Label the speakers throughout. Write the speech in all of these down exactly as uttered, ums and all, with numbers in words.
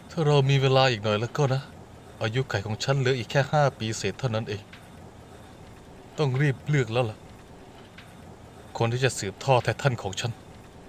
Speaker 1: ถ้าเรามีเวลาอีกหน่อยแล้วก็นะอายุไขของฉันเหลืออีกแค่ห้าปีเศษเท่านั้นเองต้องรีบเลือกแล้วล่ะคนที่จะสืบทอดแทนของฉัน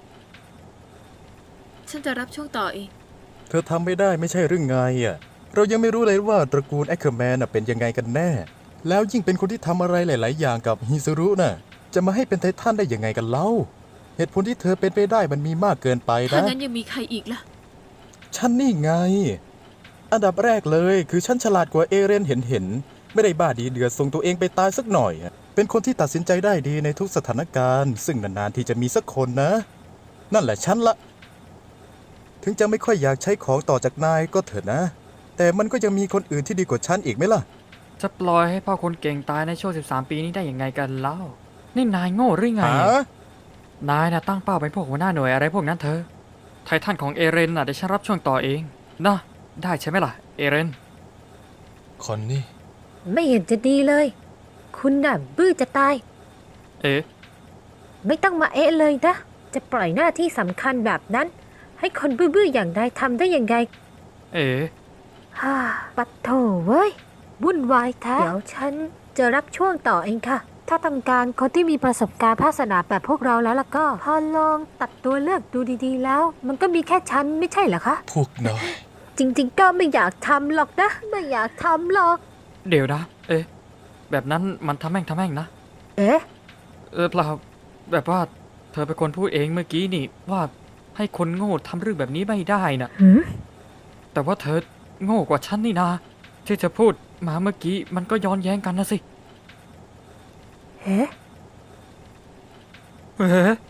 Speaker 2: ฉันจะรับช่วงต่อเอง
Speaker 3: เธอทำไม่ได้ไม่ใช่เรื่องไงอ่ะเรายังไม่รู้เลยว่าตระกูลแอคเคอร์แมนเป็นยังไงกันแน่แล้วยิ่งเป็นคนที่ทำอะไรหลาย ๆ อย่างกับฮิซุรุน่ะจะมาให้เป็นไททันได้ยังไงกันเล่าเหตุผลที่เธอเป็นไปได้มันมีมากเกินไปนะ
Speaker 2: ถ้างั้นยังมีใครอีกล่ะ
Speaker 3: ฉันนี่ไงอันดับแรกเลยคือฉันฉลาดกว่าเอเรนเห็นเห็นไม่ได้บ้าดีเดือดส่งตัวเองไปตายสักหน่อยเป็นคนที่ตัดสินใจได้ดีในทุกสถานการณ์ซึ่งนานๆที่จะมีสักคนนะนั่นแหละฉันละถึงจะไม่ค่อยอยากใช้ของต่อจากนายก็เถอะนะแต่มันก็ยังมีคนอื่นที่ดีกว่าฉันอีกไหมล่ะ
Speaker 4: จะปล่อยให้พ่อคนเก่งตายในช่วงสิบสามปีนี้ได้ยังไงกันเล่านี่นายโง่หรือไง
Speaker 3: ฮะ
Speaker 4: นายน่ะตั้งเป้าเป็นพวกหัวหน้าหน่วยอะไรพวกนั้นเธอไททันของเอเรนน่ะเดี๋ยวฉันรับช่วงต่อเองนะได้ใช่ไหมล่ะเอเรน
Speaker 1: คอนนี่
Speaker 5: ไม่เห็นจะดีเลย คุณน่ะบื้อจะตาย
Speaker 4: เอ๊ะ
Speaker 5: ไม่ต้องมาเอะเลยนะ จะปล่อยหน้าที่สำคัญแบบนั้น ให้คนบื้อๆอย่างนายทำได้ยังไง
Speaker 4: เอ๊ะ
Speaker 5: ฮ่า ปัดโถเว้ย วุ่นวายแท้ เดี๋ยวฉันจะรับช่วงต่อเองค่ะ ถ้าต้องการคนที่มีประสบการณ์ภาคสนามแบบพวกเราแล้วล่ะก็ พอลองตัดตัวเลือกดูดีๆแล้ว มันก็มีแค่ฉันไม่ใช่เหรอคะ
Speaker 1: พวกนาย
Speaker 5: จริงๆ ก็ไม่อยากทำหรอกนะ ไม่อยากทำหรอก
Speaker 4: เดี๋ยวนะเอ๊ะแบบนั้นมันทำแม่งทำแม่งนะ
Speaker 5: เอ๊ะ
Speaker 4: เออเปล่าแบบว่าเธอเป็นคนพูดเองเมื่อกี้นี่ว่าให้คนโง่ทำเรื่องแบบนี้ไม่ได้น่ะ
Speaker 5: หืม
Speaker 4: แต่ว่าเธอโง่กว่าฉันนี่นาที่เธอพูดมาเมื่อกี้มันก็ย้อนแย้งกันนะสิ
Speaker 5: เอ๊ะ
Speaker 4: เอ๊ะ